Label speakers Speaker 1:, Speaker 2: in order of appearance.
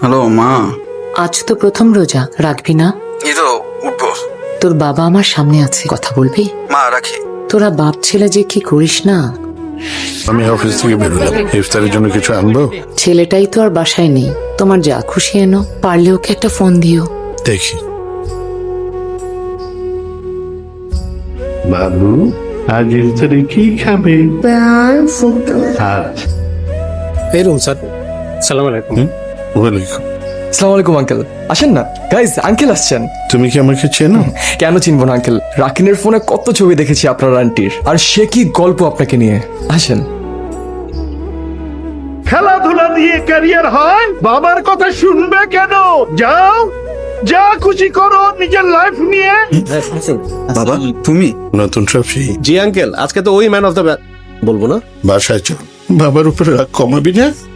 Speaker 1: Hello মা।
Speaker 2: আজ তো প্রথম রোজা, রাখবি না?
Speaker 1: এই তো উঠবো।
Speaker 2: তোর বাবা আমার সামনে আছে, কথা বলবি?
Speaker 1: মা রাখি।
Speaker 2: তোরা বাপ ছেলে যে কি করিস না।
Speaker 3: আমি অফিস থেকে বেরোলাম, ইফতারের জন্য কিছু আনবো?
Speaker 2: ছেলেটাই তো আর বাসায় নেই, তোমার যা খুশি এনো, পারলে ওকে একটা ফোন দিও।
Speaker 3: দেখি। বাবু, আজ ইফতারে কি খাবে?
Speaker 4: এই রুম স্যার। সালাম আলাইকুম।
Speaker 3: ওয়ালাইকুম।
Speaker 5: আসসালামু আলাইকুম আঙ্কেল, আসেন না। গাইজ, আঙ্কেল আসছেন।
Speaker 3: তুমি কি আমাকে চেনো?
Speaker 5: কেন চিনবো না আঙ্কেল, রাকিনের ফোনে কত ছবি দেখেছি আপনার আন্টির, আর সে কি গল্প আপনাকে নিয়ে। আসেন।
Speaker 6: খেলাধুলা দিয়ে ক্যারিয়ার হয়, বাবার কথা শুনবে কেন? যাও, যা খুশি করো নিজের লাইফ নিয়ে।
Speaker 1: বাবা তুমি?
Speaker 3: নতুন ট্রফি।
Speaker 4: জি আঙ্কেল, আজকে তো ওই ম্যান অফ দ্য বলবো না।
Speaker 3: বাসায় চল, বাবার উপরে রাগ কমাবি না।